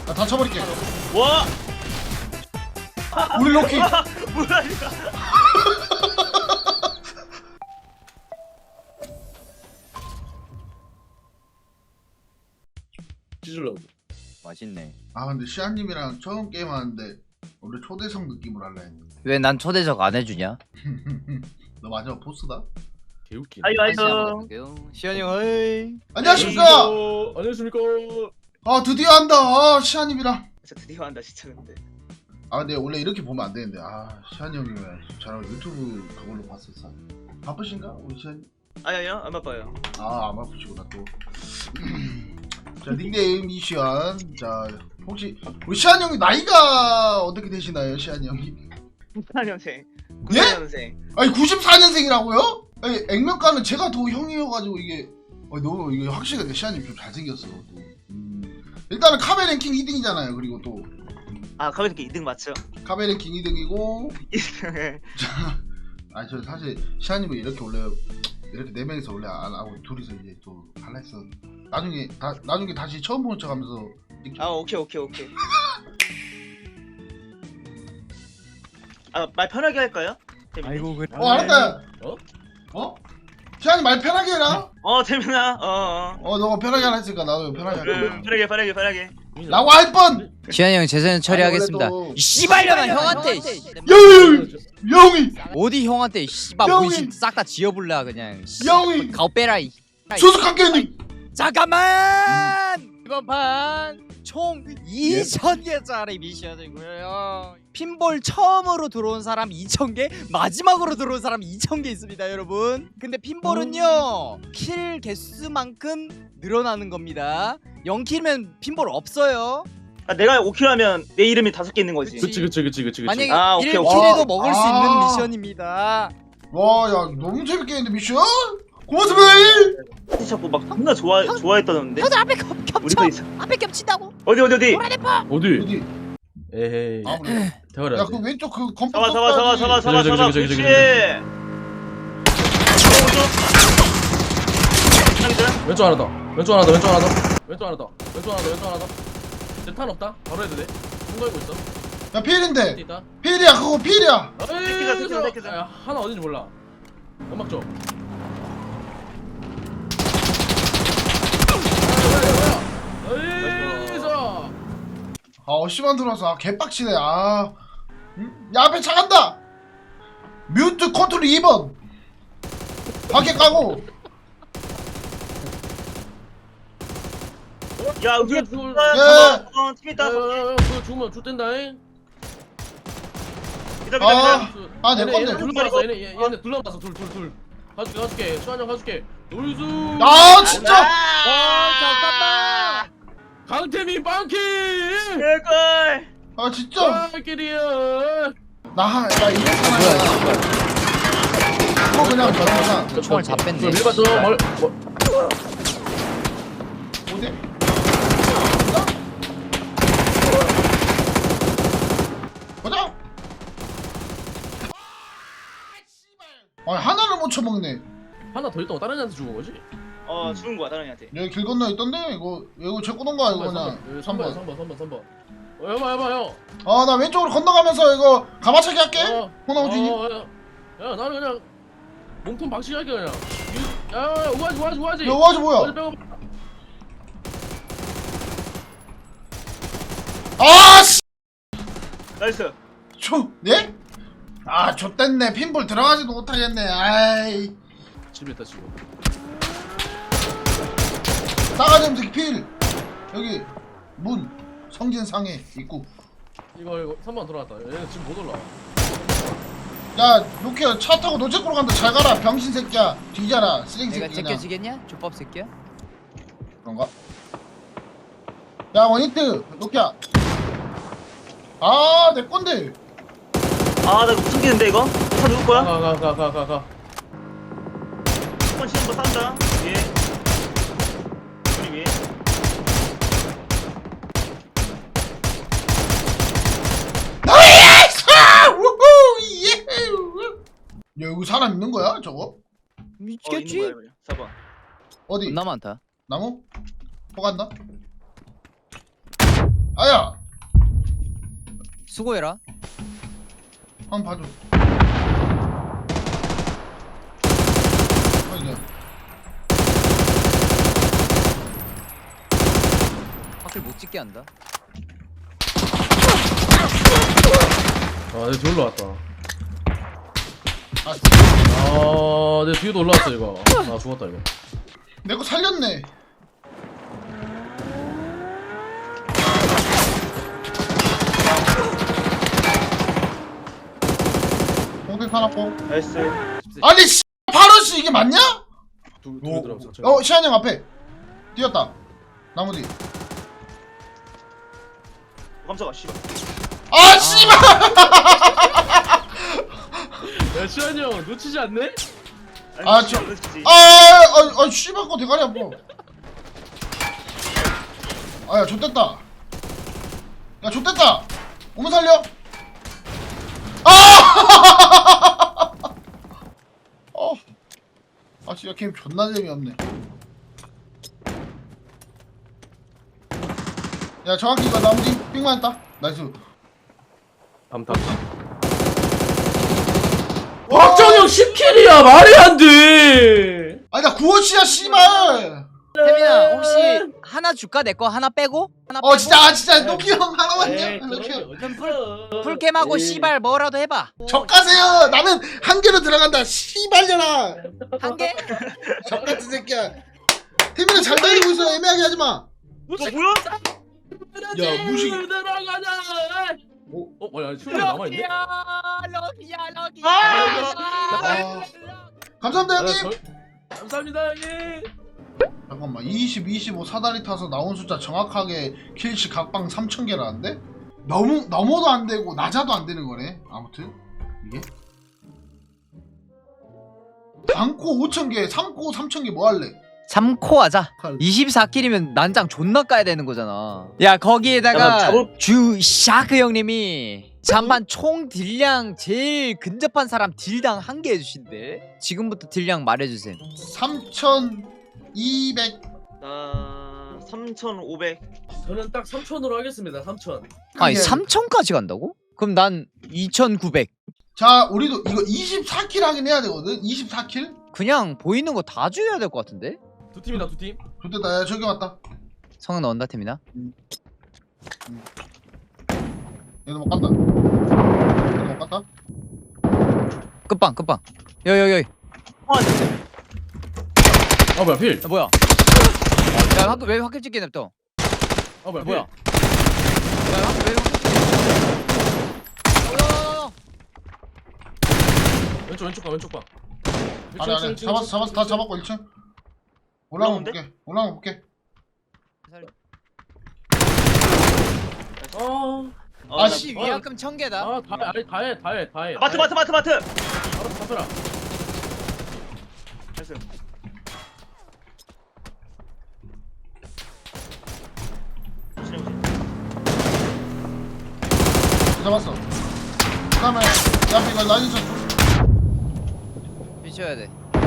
나 다쳐버릴게. 와! 우리 로키. 뭐야 이거? 찢으려고. 맛있네. 아 근데 시아님이랑 처음 게임하는데 원래 초대석 느낌으로 할라 했는데. 왜 난 초대석 안 해주냐? 너 마지막 보스다? 개웃기. 아이고 아이고. 시현이 형 어이. 안녕하십니까. 안녕하십니까. 아 드디어 한다. 아 시아님이랑. 진짜 드디어 한다 진짜 근데. 아 근데 원래 이렇게 보면 안 되는데 아 시아님 형이 왜 저랑 유튜브 그걸로 봤었어. 바쁘신가 우리 시아님? 아니요 안 바빠요. 아안 바쁘시구나 또. 자 닉네임 이시안. 자 혹시 우리 시안 형이 나이가 어떻게 되시나요 시안 형이? 94년생. 예? 94년생. 아니 94년생이라고요? 아니 액면가는 제가 더 형이어가지고 이게 너무 이게 확실히 근데 시안님 좀 잘생겼어 또. 일단은 카베 랭킹 2등이잖아요. 그리고 또 아 가볍게 2등 맞죠? 카베 랭킹 2등이고. 2등. 아니 저 사실 시안님은 이렇게 원래 이렇게 4명이서 원래 안 하고 둘이서 이제 또 할라 했어. 나중에 다시 처음 보는 척하면서. 아 오케이. 아 말 편하게 할까요? 재민이? 아이고 그래. 알았다. 어? 어? 시안이 말 편하게 해라. 재민아. 너가 편하게 하라 했으니까 나도 편하게 할게. 편하게. 라고 할 뻔! 시현이 형 재산 처리하겠습니다. 그래도- 이 씨발년아 형한테. 영이! 어디 형한테 씨발 형이- 문신 싹 다 지어불라 그냥. 영이! 가오 빼라 이. 조숙한게님! 잠깐만. 이번 판 총 2,000개짜리 미션이고요. 핀볼 처음으로 들어온 사람 2,000개, 마지막으로 들어온 사람 2,000개 있습니다, 여러분. 근데 핀볼은요 킬 개수만큼 늘어나는 겁니다. 0킬이면 핀볼 없어요. 아 내가 5킬 하면 내 이름이 5개 있는 거지. 그치. 만약에 아, 오케이, 1킬에도 오케이. 먹을 수 아. 있는 미션입니다. 와, 야, 너무 재밌게 했는데, 미션? 고맙습니다! 자꾸 막 존나 좋아했다는데. 형들 앞에 우리도 겹쳐. 있어. 앞에 겹친다고. 어디? 어디? 어디? 에헤이. 아, 그래. 대가리 야, 안 그 돼. 왼쪽 그 건물 잡아. 저기, 그렇지. 저기. 왼쪽 하나 더. 왼쪽 하나 더. 이제 탄 없다. 바로 해도 돼. 통과하고 있어. 야, 필인데! 있다. 필이야, 그거 필이야! 새끼다. 야, 하나 어딘지 몰라. 연막 줘. 씨만 들어와서, 개빡치네, 야, 앞에 차 간다! 뮤트 컨트롤 2번! 밖에 까고! 야 우리 예. 팀 있다. 그거 죽으면 죽된다잉. 아, 내 건데. 둘러봤어. 얘네 둘러봤어. 둘. 가줄게. 수환형 가줄게. 놀수. 아, 진짜! 잠깐만. 강태민 빵키. 개꿀. 아, 진짜! 빵키리야. 나 이거 하나. 이거 그냥 저거잖아. 총알 다 뺐네. 밀봤어. 어디? 보자! 아니, 하나를 못 쳐먹네. 하나 더 있다고 다른 애한테 죽은 거지? 죽은 거야 다른 애한테. 여기 길 건너 있던데? 이거 제 꼬던가, 이거 그냥. 3번. 해봐 형. 아, 나 왼쪽으로 건너가면서 이거 가마차기 할게. 호나우진이. 야 나는 그냥 몸통 박치기 할게 그냥. 야 우아지. 야, 와지 뭐야? 어디 빼고. 아, 씨! 나이스. 네? 아, 좆됐네. 핀볼 들어가지도 못하겠네. 아이. 집에 있다 지금. 싸가지 없는 새끼 필. 여기 문 성진상해 입구. 이거 3번 들어갔다. 얘는 지금 못 올라와. 야, 로키야 차 타고 노체코로 간다. 잘 가라. 병신 새끼야. 뒤져라. 쓰레기 내가 새끼 그냥. 제껴지겠냐? 족밥 새끼야? 그런가? 야, 원히트. 로키야. 아, 내 건데. 나 이거 숨기는데 이거? 차 누구 거야? 가. 한번 치는 거 싸운다. 위에. 우리 위에. 나이스! 우후! 예! 야, 여기 사람 있는 거야, 저거? 미치겠지? 있는 거야, 4번. 어디? 겁나 많다. 나무? 포간다? 아야 수고해라. 한번 봐줘. 이제 확실 못 찍게 한다. 아, 내 뒤에 올라왔다. 아, 아, 내 뒤에도 올라왔어 이거. 아, 죽었다 이거. 내 거 살렸네. 공대 타놨고. 나이스. 아니 씨 바로씨 이게 맞냐? 둘 들어가면 상처. 시한이 형 앞에 뛰었다. 나무 뒤. 깜짝아 씨발. 아 씨발. 야, 시환이 형 놓치지 않네? 아, 아니, 저- 그렇지. 아 씨발 거 대가리 아파. 아야 좆됐다. 야 좆됐다. 오면 살려. 아! 아 진짜 게임 존나 재미없네. 야 정확히 이거 나무 뒤 삥만 했다. 나이스. 암탐. 박정형 10킬이야 말이 안 돼. 아니 나 구워치야 씨발. 태민아 혹시 하나 줄까? 내 거 하나 빼고? 하나 빼고? 진짜 노키 형 하나만요. 에이, 노키 형. 풀캠하고 에이. 씨발 뭐라도 해봐. 적가세요. 나는 한 개로 들어간다. 씨발려라. 한 개? 적같은 새끼야. 태민아 잘 달리고 있어. 애매하게 하지 마. 뭐야? 야, 무식. 들어가자. 어? 뭐야? 시환이 남아 있네. 럭이야. 아. 감사합니다 형님. 감사합니다 형님. 잠깐만 20, 25 사다리 타서 나온 숫자 정확하게 킬치 각방 3,000개라는데? 넘어도 안 되고 낮아도 안 되는 거네. 아무튼 이게 3코 5,000개, 3코 3,000개 뭐 할래? 3코 하자. 24킬이면 난장 존나 까야 되는 거잖아. 야 거기에다가 잠깐, 주 샤크 형님이 잔반 총 딜량 제일 근접한 사람 딜당 1개 해주신대. 지금부터 딜량 말해주세요. 3,200. 나 3,500. 저는 딱 3,000으로 하겠습니다. 3,000. 아니 3,000까지 간다고? 그럼 난 2,900. 자 우리도 이거 24킬 하긴 해야 되거든. 24킬? 그냥 보이는 거 다 죽여야 될 것 같은데? 두 팀이다 두 팀. 좋겠다. 야 저기 왔다. 성은 넣은다 팀이나? 얘도 못 간다. 얘도 못 갔다. 끝방 끝방. 여여여. 아 뭐야 필. 야, 뭐야? 야 학교 왜 학교 찍게 냅둬? 아 뭐야 뭐야? 필. 야 학교 왜 학교 찍게 냅둬? 왼쪽 봐. 아니 잡았어 다 잡았고 1층. 올라가 올라오는데? 볼게. 올라가 볼게. 아. 아씨 위약금 1,000개다. 아, 다해. 마트. 바로 잡혀라. 나이스. 잡았어. 그다음에 야 이거 라인샷 좀. 미쳐야 돼.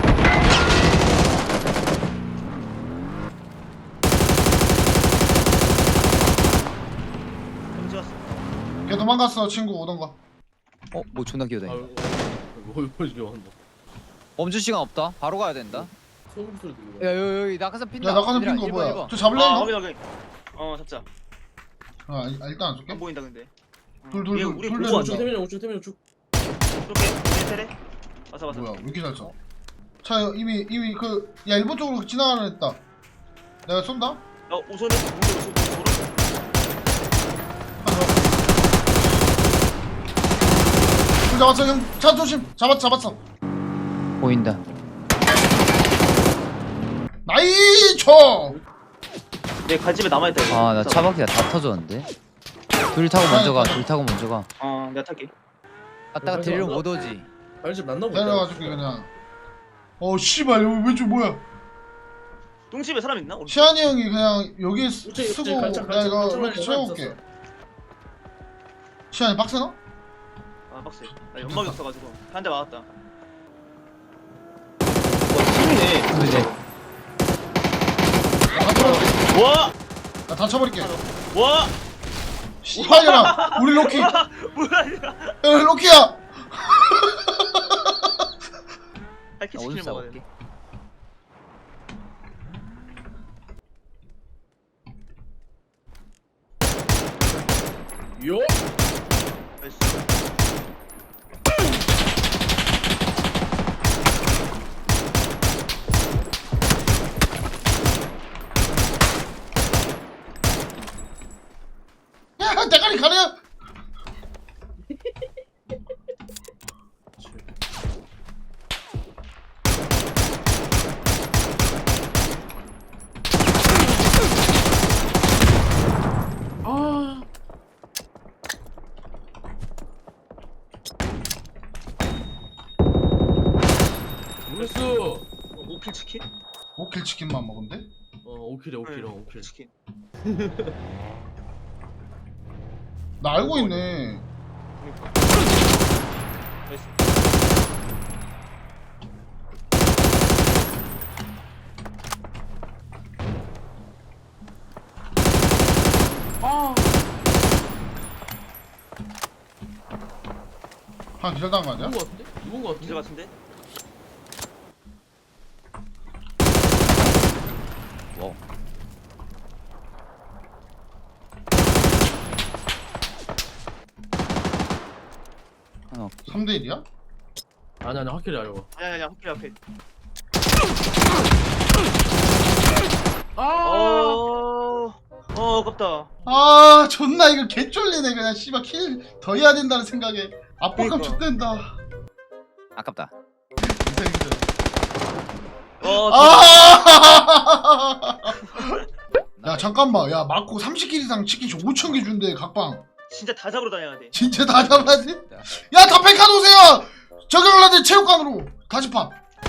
형 찍었어. 걔 도망갔어 친구 오던가. 뭐 존나 기어다. 뭘 한다. 멈출 시간 없다. 바로 가야 된다. 소음 소리 들리고. 야 여기 낙하산 핀다. 야 낙하산 얘들아, 핀거 일번, 뭐야? 일번. 저 잡을래 아, 이거? 확인. 잡자. 일단 안 쏠게. 안 보인다 근데. 둘, 얘 둘, 우리 둘, 보고 둘, 왔다. 둘. 태민이 우측. 쏠게. 테레. 왔어. 뭐야 왜 이렇게 잘 써? 차 이미 야 일본 쪽으로 지나가는 했다. 내가 쏜다. 우선은 오른. 잡았어 형. 차 조심. 잡았어. 보인다. 나이초. 내 갈집에 남아있다 이거. 아 나 차바퀴가 다 터졌는데. 둘 타고 먼저 가. 둘 타고 먼저 가. 내가 탈게. 갔다가 딜을 못 오지. 알집 났나 보다. 내려가줄게 그냥. 씨발 여기 왼쪽 뭐야? 똥집에 사람 있나? 우리? 시안이 형이 그냥 여기 우측, 쓰고 갈창, 내가 이거 갈창 이렇게 라인에 채워올게. 있었어. 시안이 빡세나? 빡세. 나 연막이 없어가지고 한 대 맞았다. 와 팀이네. 그지? 와! 나 다 쳐버릴게. 와! 씨발이라 우리 로키. 야, 뭐야 로키야. 할게 나 오줌 치킨을 싸고 먹어야 올게. 돼. 요. 나이스. 야, 대가리 가려. 아. 모르겠어. 5킬 치킨? 5킬 치킨만 먹으면 돼? 5킬이야 5킬 5킬. 치킨. 나 알고 있네. 그러니까. 나이스. 아. 한 기절당한 거 아니야? 누군 거 같은데? 누군 거 기절 같은데? 같은데? 와우. 하나 3대 1이야? 아니 확실히 알고. 아니야 확킬 앞에. 아. 아깝다. 아, 존나 이거 개쫄리네. 그냥 씨발 킬 더 해야 된다는 생각에 압박감 그러니까. 좆된다. 아깝다. 아! 야, 잠깐만. 야, 맞고 30킬 이상 치킨 5,000개 준대, 각방. 진짜 다 잡으러 다녀야 돼. 진짜 다 잡아야지? 야, 다 백화 놓으세요! 저격을라들 체육관으로! 가시판!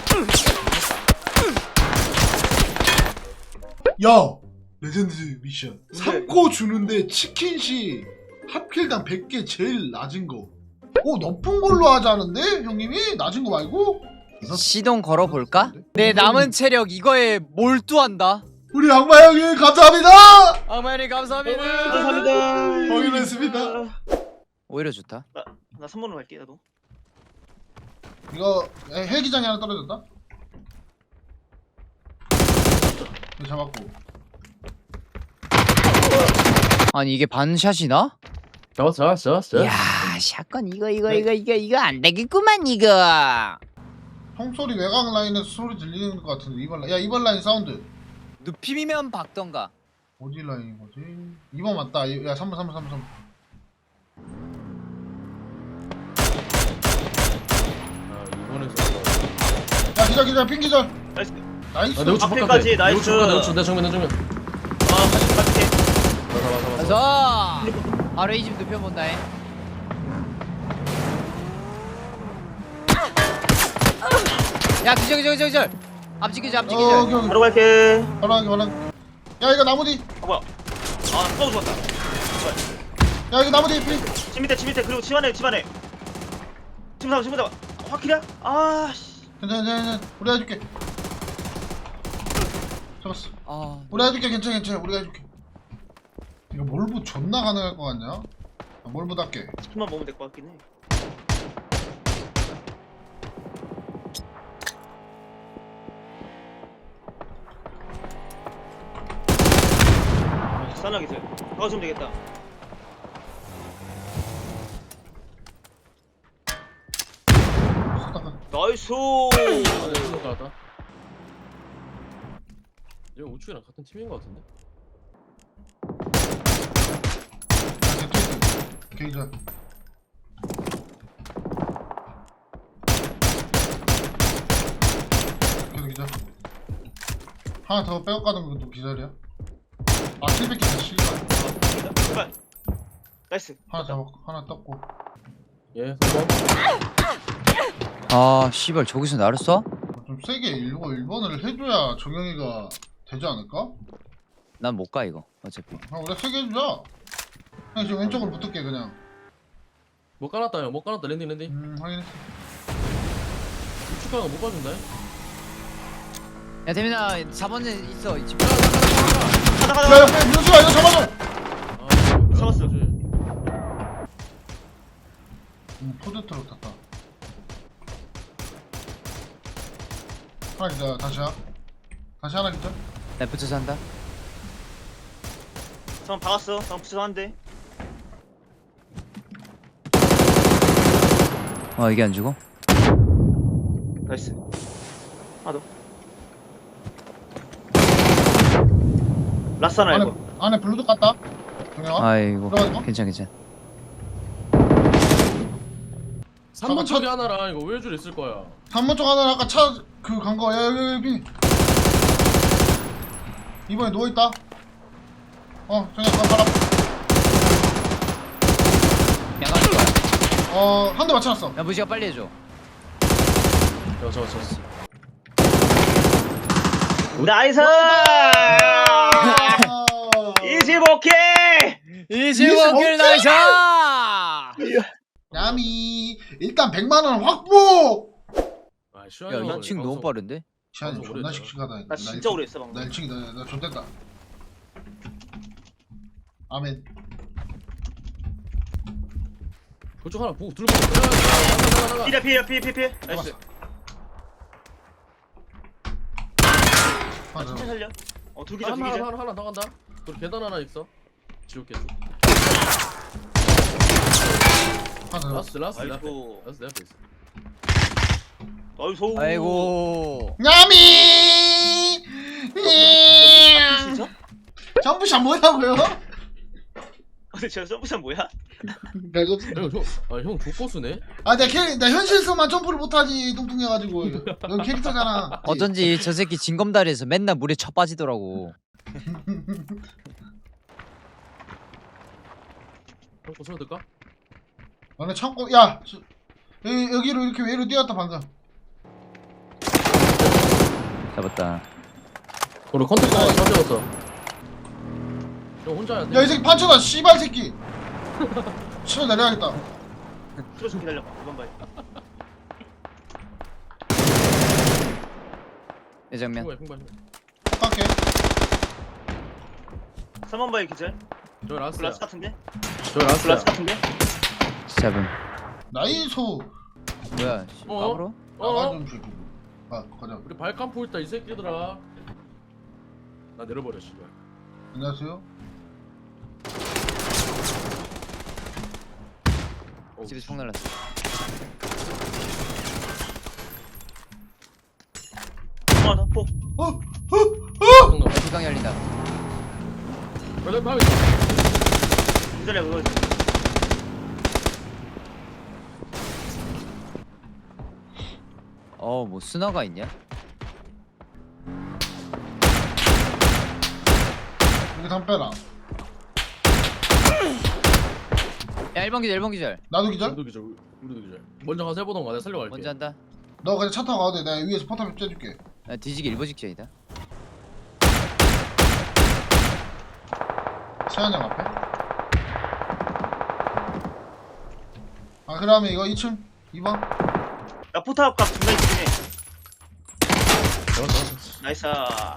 야! 레전드 미션. 네. 3코 주는데 치킨시 합킬당 100개 제일 낮은 거. 높은 걸로 하자는데? 형님이? 낮은 거 말고? 시동 걸어볼까? 내 남은 체력 이거에 몰두한다. 우리 악마 형님, 감사합니다! 어머니 감사합니다. 감사합니다. 확인했습니다. 오히려 좋다. 나 3번으로 갈게 나도. 이거 헬기장이 하나 떨어졌다. 이거 잡았고. 아니 이게 반샷이나? 잡았어. 야 샷건 이거 안 되겠구만 이거. 총소리 외곽 라인에서 소리 들리는 것 같은데. 이번 라인. 야, 이번 라인 사운드. 눕힘이면 박던가. 어디 라인인 거지? 2번 맞다. 야, 3번. 아 이번에서. 야, 기절 핑 기절. 나이스. 나이스. 아, 내가 주 앞에까지 나이스. 내 정면. 갈게. 맞아. 그래서 바로 이 집 눕혀본다. 야 기절. 앞집 기절. 오케이. 바로 갈게. 바로 하게. 야, 이거 나무 뒤. 뭐야? 또 죽었다. 야, 이거 나무 뒤 핑. 집 밑에 그리고 집 안에. 집 잡아. 확킬이야? 아씨. 괜찮아. 우리가 해줄게. 잡았어. 아 우리가 해줄게. 괜찮아. 우리가 해줄게. 이거 몰부 존나 가능할 것 같냐? 몰부답게. 치킨만 먹으면 될 것 같긴 해. 싸나게 돼. 도와주면 되겠다. 나이스. 아, 나왔다. 얘 우측이랑 같은 팀인 것 같은데? 기절. 계속 기절. 하나 더 빼고 가는 것도 기절이야. 아, 700개다, 씨발. 제발. 나이스. 하나 잡았고, 하나 떴고. 예 3번. 아 씨발 저기서 나를 쏴? 좀 세게 1번을 해줘야 정영이가 되지 않을까? 난 못 가 이거 어차피. 우리가 세게 해주자. 그냥 지금 왼쪽으로 붙을게, 그냥. 못 깔았다 형. 못 깔았다 랜딩. 확인했어. 우측 가는 거못 봐준다. 야 대민아 4번에 있어 이 집. 가자. 야, 민수야, 이거 잡아줘! 아, 잡았어. 그러지. 푸드트럭 탔다. 하나 기다. 다시 하나 기다. 나 붙여서 한다. 전 박았어. 전 붙여서 한대. 이게 안 죽어? 나이스. 하나 더. 라스나 이거. 안에 블루도 깠다. 동영아. 아이고 들어가지 마. 괜찮. 3번 잠깐, 쪽에 하나랑 이거 우회줄 있을 거야. 3번 쪽 하나 아까 차 그 간 거. 야 여기. 이번에 누워 있다. 정현 가라. 양가 좋아. 한 대 맞춰놨어. 야 무지가 빨리 해줘. 저. 나이스! 25킬! 25킬 나이스! 야미 일단 100만원 확보. 아, 시원이 야 형은 2층 너무 방송- 빠른데? 시안이 방송 존나 오래 했잖아. 씩씩하다. 나 진짜 오래 했어 방금. 나 1층이다. 나 존댔다. 아멘. 그쪽 하나 보고 들고 나가. 피해. 나이스. 잡았어. 맞아. 천천히 살려. 둘기자. 하나 더 간다. 그리고 계단 하나 있어. 지옥 계단. 맞아. 라스트 내 앞에. 아이고. 라스트 내 앞에 있어. 나이스. 아이고 야미. 진짜? 점프샷 뭐냐고요? 근데 저 점프샷 뭐야? 형 족보수네. 나 현실에서만 점프를 못하지. 뚱뚱해가지고. 넌 캐릭터잖아. 어쩐지 저 새끼 징검다리에서 맨날 물에 쳐 빠지더라고. 형 고소를 들까? 너네 창고. 야 여기로 이렇게 외로 뛰었다 방금. 잡았다. 우리 컨택터 하나 잡혀왔어. 형 혼자야. 야 이 새끼 판쳐다 씨발 새끼. 치러 내려야겠다. 틀어 좀 기다려봐. 이번 봐요. 내 정면. 핑발. 깎게. 3번 봐요 기절. 저 라스트야. 블라스 같은데? 저 라스트야. 블라스 같은데? 잡음. 나이소. 뭐야? 까불어? 나가 좀 새끼. 가자. 우리 발칸포 있다 이 새끼들아. 나 내려버려 씨발. 안녕하세요. 집에서 총 날랐어. 하나 더. 포. 불강 열린다. 원래 바위 있어. 기다려 그거. 뭐 스나가 있냐? 여기 담 빼라. 야 1번 기절 1번 기절. 나도 기절. 우리도 기절. 우리도 기절. 먼저 가서 해보던가 내가 살려갈게. 먼저 한다. 너 그냥 차 타고 가도 돼. 내가 위에서 포탑 쬐줄게. 야 뒤지기 일보 직전이다. 시안형 앞에. 그러면 이거 2층 2번. 나 포탑 값 존나 있긴 해. 잡았어. 나이스.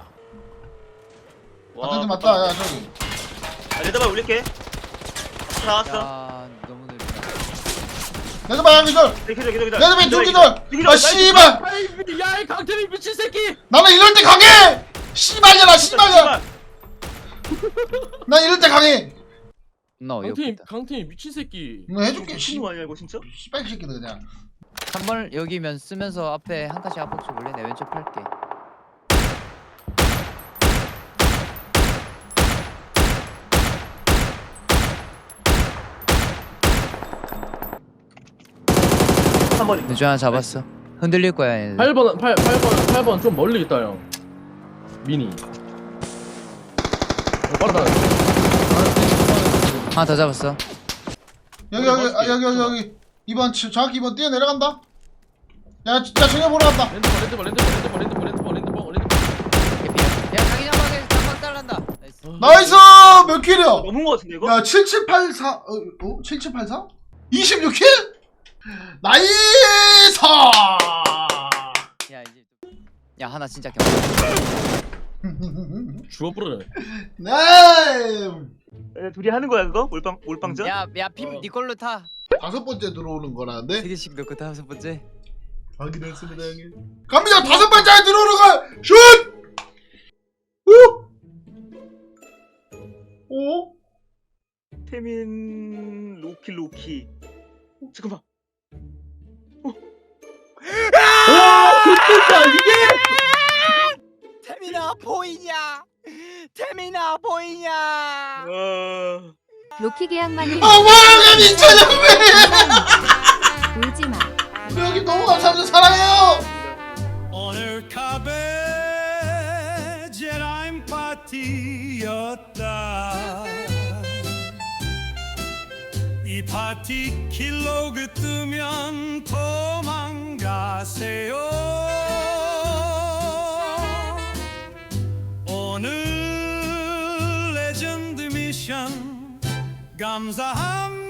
아탄지 맞다. 야 저기. 레드발 올릴게. 나왔어. 야 너무 느리다. 레드바야 기절. 기다려. 레드바야 두 기절. 아 씨발. 야이 강태민 미친 새끼. 나는 이럴 때 강해. 씨발이야 씨발이야. 난 이럴 때 강해. 나 어이없겠다. 강태민 미친 새끼. 뭐 해줄게. 미친 거 아니야 이거 진짜? 씨발 새끼들 그냥. 3번 여기면 쓰면서 앞에 한 칸씩 앞으로 볼래? 내 왼쪽 팔게. 한 번에. 내 중 하나 잡았어. 흔들릴 거야 얘네. 8번 좀 멀리 있다 형. 미니. 빠르다. 하나 더 잡았어. 여기 2번 정확히 2번 뛰어 내려간다. 야 정해 보러 갔다. 랜드버. 야 자기 장막 달란다. 나이스. 나이스 몇 킬이야? 넘은 거 같은데 이거? 야 7784 7784? 26킬? 나이스! 야 이제 야 하나 진짜 겨. 죽어 부르네. 네. 둘이 하는 거야 그거? 몰빵전? 야야 피 어. 니 걸로 타. 5번째 들어오는 거라는데 3개씩 넣고 5번째. 확인했습니다 형님. 갑니다. 5번째 들어오는 거 슛. 오. 오. 태민 로키. 잠깐만. 태민아 보이냐? 태민아 보이냐? 와. 로키 계약만을 어머나 민철형님. 울지마. 여기 너무 감사합니다. 사랑해요. 오늘 카베 제라임 파티였다. 이 파티 킬로그 뜨면 도망가세요. 오늘 레전드 미션 감사합니다.